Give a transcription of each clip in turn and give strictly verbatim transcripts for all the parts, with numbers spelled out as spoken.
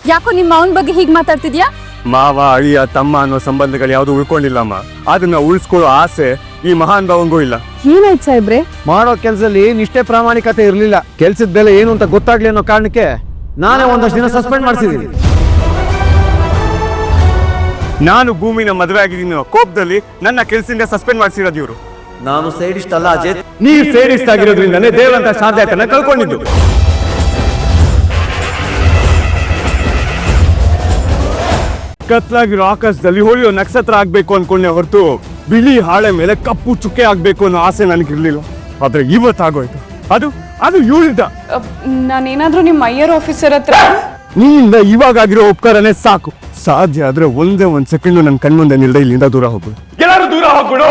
ಯಾಕೋ ನಿಮ್ಮ ಅವನ ಬಗ್ಗೆ ಹೀಗೆ ಮಾತಾಡ್ತಿದ್ಯಾ? ಮಾವ ಅಳಿಯ ತಮ್ಮ ಅನ್ನೋ ಸಂಬಂಧಗಳು ಯಾವ್ದು ಉಳ್ಕೊಂಡಿಲ್ಲಮ್ಮ. ಅದನ್ನ ಉಳಿಸ್ಕೊಳ್ಳೋ ಆಸೆ ಈ ಮಹಾನ್ ಭಾವಂಗೂ ಇಲ್ಲ. ಏನಾಯ್ತು ಸಾಹೇಬ್ರೆ? ಮಾಡೋ ಕೆಲ್ಸದಲ್ಲಿ ನಿಷ್ಠೆ ಪ್ರಾಮಾಣಿಕತೆ ಇರಲಿಲ್ಲ. ಕೆಲ್ಸದ ಬೆಲೆ ಏನು ಅಂತ ಗೊತ್ತಾಗ್ಲಿ ಅನ್ನೋ ಕಾರಣಕ್ಕೆ ನಾನೇ ಒಂದಷ್ಟು ದಿನ ಸಸ್ಪೆಂಡ್ ಮಾಡಿಸಿದ್ದೀನಿ. ನಾನು ಭೂಮಿನ ಮದುವೆ ಆಗಿದ್ದೀನಿ ಕೋಪದಲ್ಲಿ ನನ್ನ ಕೆಲಸದಿಂದ ಸಸ್ಪೆಂಡ್ ಮಾಡಿಸಿರೋದು ಇವರು. ನಾನು ಸೈಡಿಸ್ಟ್ ಅಲ್ಲ ಅಜಯ್. ನೀವ್ ಸೇರಿಸ್ಟ್ ಆಗಿರೋದ್ರಿಂದನೇ ದೇವರಂತ ಸಾಧ್ಯತೆನ ಕಳ್ಕೊಂಡಿದ್ದು. ಕತ್ಲಾಗಿರೋ ಆಕಾಶದಲ್ಲಿ ಹೊಳೆಯೋ ನಕ್ಷತ್ರ ಆಗ್ಬೇಕು ಅನ್ಕೊಂಡೆ ಹೊರತು ಬಿಳಿ ಹಾಳೆ ಮೇಲೆ ಕಪ್ಪು ಚುಕ್ಕೆ ಆಗ್ಬೇಕು ಅನ್ನೋ ಆಸೆ ನನಗಿರ್ಲಿಲ್ಲ. ಆದ್ರೆ ಇವತ್ತಾಗೋಯ್ತು. ಅದು ಅದು ಇವಳಿಂದ. ನಾನೇನಾದ್ರೂ ನಿಮ್ಮ ಐಯರ್ ಆಫೀಸರ್ ಹತ್ರ ನಿನ್ನಿಂದ ಇವಾಗ ಆಗಿರೋ ಉಪಕಾರನೇ ಸಾಕು. ಸಾಧ್ಯ ಆದ್ರೆ ಒಂದೇ ಒಂದ್ ಸೆಕೆಂಡ್ ನನ್ನ ಕಣ್ಮುಂದೆ ನಿಲ್ದೆ ಇಲ್ಲಿಂದ ದೂರ ಹೋಗ್ಬಿಡು. ಎಲ್ಲರೂ ದೂರ ಹೋಗ್ಬಿಡು.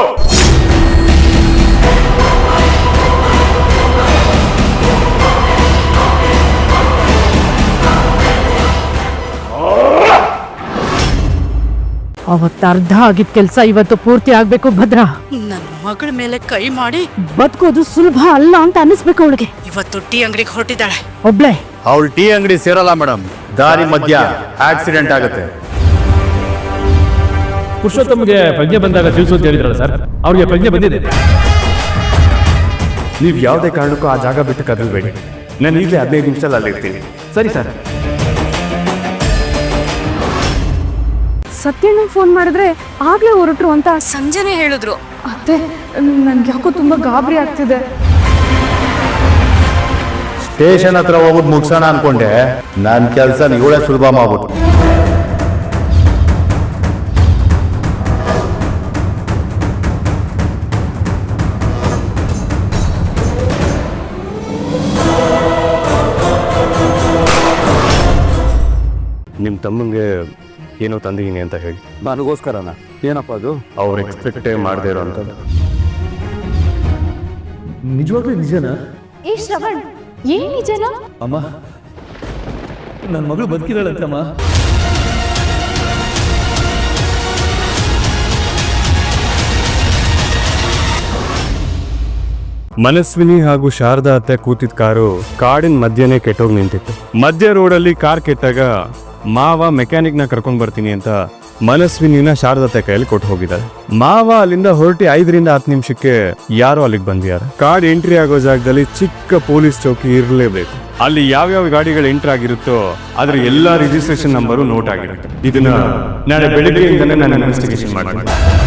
ಅವತ್ತು ಅರ್ಧ ಆಗಿದ್ ಕೆಲ್ಸ ಇವತ್ತು ಪೂರ್ತಿ ಆಗ್ಬೇಕು. ಭದ್ರ, ನನ್ನ ಮಗಳ ಮೇಲೆ ಕೈ ಮಾಡಿ ಬದುಕೋದು ಸುಲಭ ಅಲ್ಲ ಅಂತ ಅನಿಸ್ಬೇಕು ಅವಳಿಗೆ. ಇವತ್ತು ಟೀ ಅಂಗಡಿಗೆ ಹೊರಟಿದ್ದಾಳೆ. ಒಬ್ಳೆ ಅವಳು ಟೀ ಅಂಗಡಿ ಸೇರಲ್ಲ ಮೇಡಮ್. ದಾರಿ ಮಧ್ಯ ಆಕ್ಸಿಡೆಂಟ್ ಆಗುತ್ತೆ. ಪುರುಷೋತ್ತಮ್ಗೆ ಪ್ರಜ್ಞೆ ಬಂದಾಗ ತಿಳಿಸು ಅಂತ ಹೇಳಿದ್ರಲ್ಲ ಸರ್, ಅವ್ರಿಗೆ ಪ್ರಜ್ಞೆ ಬಂದಿದೆ. ನೀವ್ ಯಾವುದೇ ಕಾರಣಕ್ಕೂ ಆ ಜಾಗ ಬಿಟ್ಟು ಕದಲ್ಬೇಡಿ. ನಾನು ಈಗಲೇ ಹದಿನೈದು ನಿಮಿಷದಲ್ಲಿ ಅಲ್ಲಿರ್ತೀನಿ. ಸರಿ ಸರ್. ಸತ್ಯಣ್ಣ ಫೋನ್ ಮಾಡಿದ್ರೆ ಆಗ್ಲೇ ಹೊರಟ್ರು ಅಂತ ಸಂಜೆನೆ ಹೇಳಿದ್ರು. ಅತ್ತೆ, ನನ್ಗೆ ಯಾಕೋ ತುಂಬಾ ಗಾಬರಿ ಆಗ್ತಿದೆ. ಸ್ಟೇಷನ್ ಹತ್ರ ಹೋಗ್ಬಿಟ್ಟು ಮುಗ್ಸೋಣ ಅನ್ಕೊಂಡೆ. ನನ್ನ ಕೆಲಸ ಇವಳೇ ಸುಲಭ ಮಾಡ್ಬಿಟ್ಟು. ನಿಮ್ಮ ತಮ್ಮಂಗೆ ಏನೋ ತಂದಿದ್ದೀನಿ ಅಂತ ಹೇಳಿ. ನನಗೋಸ್ಕರನ? ಏನಪ್ಪ ಅದು? ಅವ್ರು ಎಕ್ಸ್ಪೆಕ್ಟೇ ಮಾಡದೇ ಇರೋ ಅಂಥದ್ದು. ನಿಜವಾಗ್ಲೂ ನಿಜನಾ? ಏ ಶ್ರವಣ್, ಏನ್ ನಿಜನಾ? ಅಮ್ಮ, ನನ್ನ ಮಗಳು ಬದುಕಿದಾಳಂತಮ್ಮ. ಮನಸ್ವಿನಿ ಹಾಗೂ ಶಾರದಾ ಅತ್ತೆ ಕೂತಿದ್ದ ಕಾರು ಕಾಡಿನ ಮಧ್ಯನೇ ಕೆಟ್ಟೋಗಿ ನಿಂತಿತ್ತು. ಮಧ್ಯ ರೋಡಲ್ಲಿ ಕಾರ್ ಕೆಟ್ಟಾಗ ಮಾವ ಮೆಕ್ಯಾನಿಕ್ ನ ಕರ್ಕೊಂಡ್ ಬರ್ತೀನಿ ಅಂತ ಮನಸ್ವಿನಿನ ಶಾರದತ್ತೆ ಕೈಯಲ್ಲಿ ಕೊಟ್ಟು ಹೋಗಿದ್ದಾರೆ. ಮಾವ ಅಲ್ಲಿಂದ ಹೊರಟಿ ಐದರಿಂದ ಹತ್ತು ನಿಮಿಷಕ್ಕೆ ಯಾರೋ ಅಲ್ಲಿಗೆ ಬಂದಿದ್ದಾರೆ. ಕಾರ್ ಎಂಟ್ರಿ ಆಗೋ ಜಾಗದಲ್ಲಿ ಚಿಕ್ಕ ಪೊಲೀಸ್ ಚೌಕಿ ಇರಲೇಬೇಕು. ಅಲ್ಲಿ ಯಾವ್ಯಾವ ಗಾಡಿಗಳು ಎಂಟ್ರಿ ಆಗಿರುತ್ತೋ ಅದ್ರ ಎಲ್ಲಾ ರಿಜಿಸ್ಟ್ರೇಷನ್ ನಂಬರು ನೋಟ್ ಆಗಿರುತ್ತೆ. ಇದನ್ನ ನಾಳೆ ಬೆಳಿಗ್ಗೆಯಿಂದನೇ ನಾನು ಇನ್ವೆಸ್ಟಿಗೇಷನ್ ಮಾಡ್ತೀನಿ.